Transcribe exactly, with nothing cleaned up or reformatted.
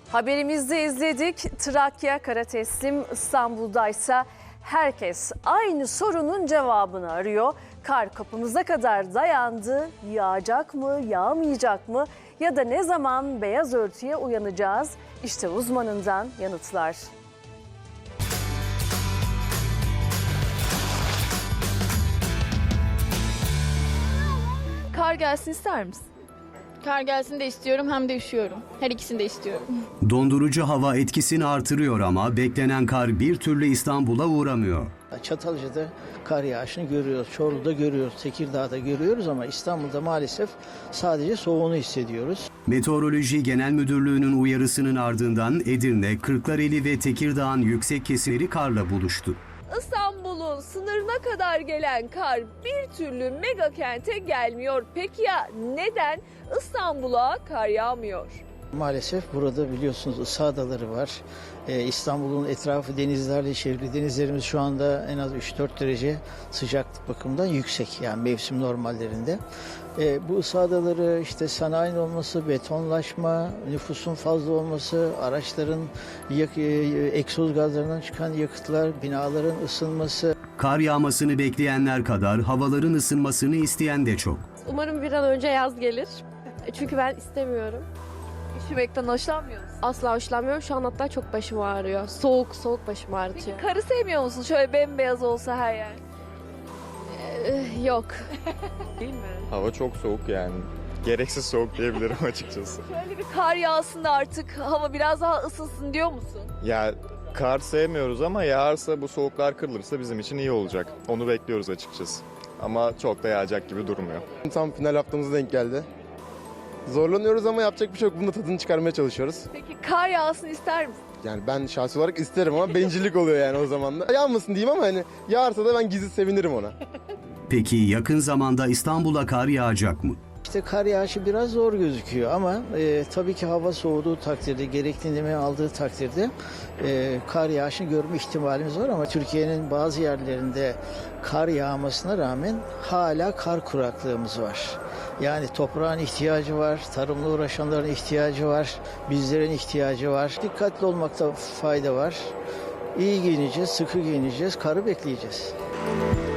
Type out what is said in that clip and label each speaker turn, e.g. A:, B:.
A: Haberimizde izledik. Trakya kara teslim, İstanbul'daysa herkes aynı sorunun cevabını arıyor. Kar kapımıza kadar dayandı. Yağacak mı, yağmayacak mı? Ya da ne zaman beyaz örtüye uyanacağız? İşte uzmanından yanıtlar.
B: Kar gelsin ister misin?
C: Kar gelsin de istiyorum hem de üşüyorum. Her ikisini de istiyorum.
D: Dondurucu hava etkisini artırıyor ama beklenen kar bir türlü İstanbul'a uğramıyor.
E: Çatalca'da kar yağışını görüyoruz, Çorlu'da görüyoruz, Tekirdağ'da görüyoruz ama İstanbul'da maalesef sadece soğuğunu hissediyoruz.
D: Meteoroloji Genel Müdürlüğü'nün uyarısının ardından Edirne, Kırklareli ve Tekirdağ'ın yüksek kesimleri karla buluştu.
B: İstanbul'un sınırına kadar gelen kar bir türlü mega kente gelmiyor. Peki ya neden İstanbul'a kar yağmıyor?
E: Maalesef burada biliyorsunuz ısı adaları var. Ee, İstanbul'un etrafı denizlerle çevrili. Denizlerimiz şu anda en az üç dört derece sıcaklık bakımından yüksek. Yani mevsim normallerinde. Ee, bu ısı adaları işte sanayinin olması, betonlaşma, nüfusun fazla olması, araçların yak- e, egzoz gazlarından çıkan yakıtlar, binaların ısınması.
D: Kar yağmasını bekleyenler kadar havaların ısınmasını isteyen de çok.
F: Umarım bir an önce yaz gelir. Çünkü ben istemiyorum.
B: Üşümekten hoşlanmıyor musun?
F: Asla hoşlanmıyorum. Şu an hatta çok başım ağrıyor. Soğuk soğuk başım ağrıtıyor.
B: Karı sevmiyor musun? Şöyle bembeyaz olsa her yer.
F: Ee, yok.
B: Değil mi?
G: Hava çok soğuk yani. Gereksiz soğuk diyebilirim açıkçası.
B: Şöyle bir kar yağsın da artık hava biraz daha ısınsın diyor musun?
G: Ya kar sevmiyoruz ama yağarsa bu soğuklar kırılırsa bizim için iyi olacak. Onu bekliyoruz açıkçası. Ama çok da yağacak gibi durmuyor.
H: Tam final haftamıza denk geldi. Zorlanıyoruz ama yapacak bir şey yok. Bunun da tadını çıkarmaya çalışıyoruz.
B: Peki kar yağsın ister misin?
H: Yani ben şahsi olarak isterim ama bencillik oluyor yani o zaman da. Yağmasın diyeyim ama hani yağarsa da ben gizli sevinirim ona.
D: Peki yakın zamanda İstanbul'a kar yağacak mı?
E: İşte kar yağışı biraz zor gözüküyor ama e, tabii ki hava soğuduğu takdirde, gerekli nemini aldığı takdirde e, kar yağışını görme ihtimalimiz var ama Türkiye'nin bazı yerlerinde kar yağmasına rağmen hala kar kuraklığımız var. Yani toprağın ihtiyacı var, tarımla uğraşanların ihtiyacı var, bizlerin ihtiyacı var. Dikkatli olmakta fayda var. İyi giyineceğiz, sıkı giyineceğiz, karı bekleyeceğiz.